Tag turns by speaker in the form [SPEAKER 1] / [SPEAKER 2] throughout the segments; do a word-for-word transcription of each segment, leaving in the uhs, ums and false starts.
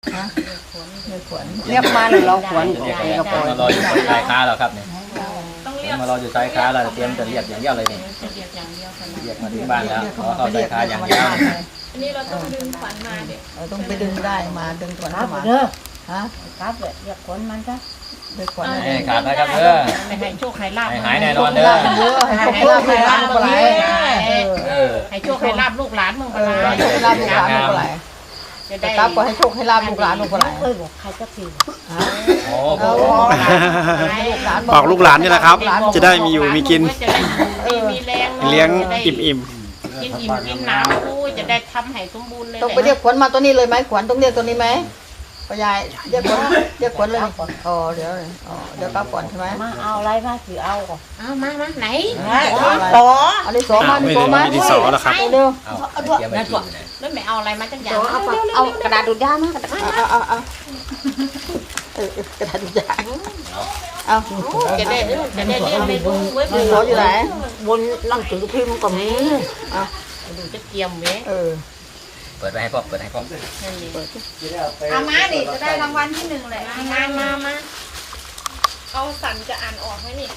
[SPEAKER 1] ฮะเรียกขวัญเรียกมาเลยเราขวัญกระปอย
[SPEAKER 2] มารออยู่ชายค้าเราครับเนี่ยมารออยู่ชายค้าเราเตรียมจะเรียกอย่างเดียวเลยเนี่ยเรียกมาถึงบ้านแล้วขอเข้าชายค้าอย่างเดียว
[SPEAKER 3] อันนี้เราต้องดึงขวัญมาเด็ก
[SPEAKER 1] เราต้องไปดึงได้มาดึงขวัญมา
[SPEAKER 4] เด้อ
[SPEAKER 1] ฮะ
[SPEAKER 4] ครับเลยเรียกขวัญมันซะ
[SPEAKER 1] เรียกขวัญ
[SPEAKER 2] ให้ขาดนะครับเด้อ
[SPEAKER 4] ไม่ให้โชคให้ลาบ
[SPEAKER 2] หายแน่นอนเด้อ
[SPEAKER 1] ให้โชคให้ลาบลูกหลาน
[SPEAKER 4] ให้โชคให้ลาบลูกหลานมึงปลา
[SPEAKER 1] ให้โชคให้ลาบลูกหลานลูกหลานจะได้ครับก็ให้โชคให้ลาบลูกหลานลูกหลาน
[SPEAKER 4] เอ้ยบอกใครจะปี
[SPEAKER 2] โอ้โห
[SPEAKER 5] บอกลูกหลานนี่แหละครับจะได้มีอยู่มีกิน
[SPEAKER 4] มีแรง
[SPEAKER 5] เลี้ยงอิ่มอิ่ม
[SPEAKER 4] กินอิ่มกินน้ำกูจะได้ทำให้สมบูรณ์เลย
[SPEAKER 1] ต้องไปเรียกขวัญมาตัวนี้เลยไหมขวัญต้องเรียกตัวนี้ไหมป้ายายเรียกขวัญเรียกขวัญเลยอ๋อเดี๋ยวอ๋อเดี๋ยวกลับก่อนใช่ไหม
[SPEAKER 4] มาเอาอะไรมาถือเอาก่อนเอามามาไหน
[SPEAKER 1] ต่อเอาดิสอมาดิสอมา
[SPEAKER 5] ดิสอแล้วครับ
[SPEAKER 1] เร็ว
[SPEAKER 4] เอาด้วยนั่นก่อนแล้วไม่เอาอะไรมาจังอย่างเอาเอากระดาษดูดยามากระดาษ
[SPEAKER 1] เอาเอาเอาเออกระดาษดูดยาเอา
[SPEAKER 4] จะได้จะได้เรียกไปดูไว้ดู
[SPEAKER 1] อยู่ไหน
[SPEAKER 4] บนหนังสือพิมพ์ก็มีอ่ะดูจะเกียมเว้ย
[SPEAKER 1] เออ
[SPEAKER 2] เปิดไว้ให้พ่อเปิดให้พ่อ
[SPEAKER 3] เอามาดิจะได้รางวัลที่หนึ่งเลย
[SPEAKER 4] มามามา
[SPEAKER 3] เอาสันจะอ่านออกไหมนี่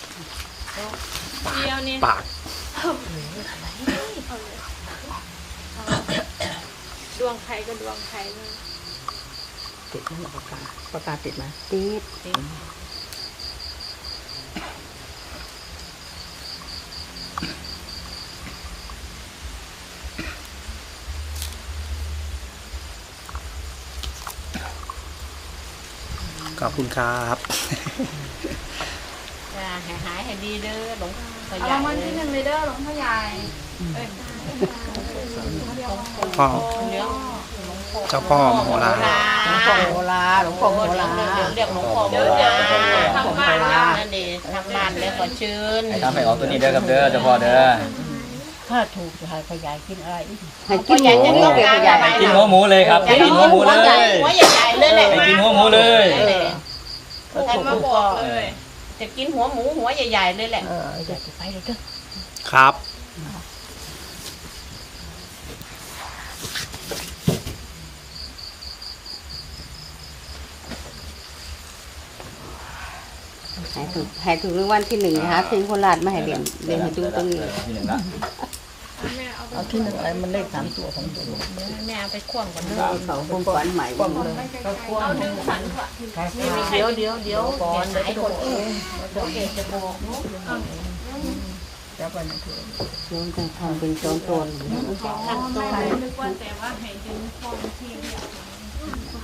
[SPEAKER 3] เดียวนี่
[SPEAKER 5] ปาก
[SPEAKER 3] ดวงใครก็ดวงใครเลย
[SPEAKER 1] ติดไหมปากกาปากกาติดไหม
[SPEAKER 4] ติดติด
[SPEAKER 5] ขอบคุณครับ
[SPEAKER 4] จ้าหายหายให้ดีเด้อหลวงพ่อใหญ่
[SPEAKER 3] รางวัลที่หนึ่งเลยเด้อหลวงพ่อใหญ่
[SPEAKER 5] พ่อเจ้าพ่อมโหฬาร
[SPEAKER 1] หลวงพ่อโหราหลวงพ่อโหรา
[SPEAKER 4] เรียกหลวงพ่อโหราทำบ้านนั่นดิทำบ้านแล้วขอเชิญ
[SPEAKER 2] ให้ทำให้ออกตัวนี้เด้อครับเด้อเจ้าพ่อเด้อ
[SPEAKER 4] ถ้าถูกจะให้พ่อใหญ่กินอะไร
[SPEAKER 1] ให้กินหมู
[SPEAKER 2] ให้กินหัวหมูเลยครับให้กินหัวหมูเลย
[SPEAKER 4] หัวใหญ่ๆเลยแหละ
[SPEAKER 2] ให้กินหัวหมูเลย
[SPEAKER 3] ใครมาบอกเลย
[SPEAKER 4] จะกินหัวหมูหัวใหญ่ๆเลยแหละ
[SPEAKER 1] เออจะไปเลยเด้อ
[SPEAKER 5] ครับ
[SPEAKER 1] ให้ถูกให้ถูกรางวัลที่หนึ่งนะคะเพลงโคราชมาให้เรียนเรียนให้ดูตรงนี้
[SPEAKER 2] ที่หนึ่งละ
[SPEAKER 1] เอาที่หนึ่งอะไรมันเลขสามตัวของตัว
[SPEAKER 4] แม่เอาไปคว่ำก่อนเลย
[SPEAKER 1] เขาคงฝันใหม่คว่ำเลย
[SPEAKER 3] ก็คว่ำ
[SPEAKER 4] เดี๋ยวเดี๋ยวเดี๋ยวก่อนเดี๋ยวคนเองเดี๋ยวเกจะบอกเนาะ
[SPEAKER 1] แล้วก็นั่นคือ
[SPEAKER 4] โยนจะทำเป็นโซนโซน
[SPEAKER 3] นึกว่าแต่ว่าให้ดึงฟองที่เดียว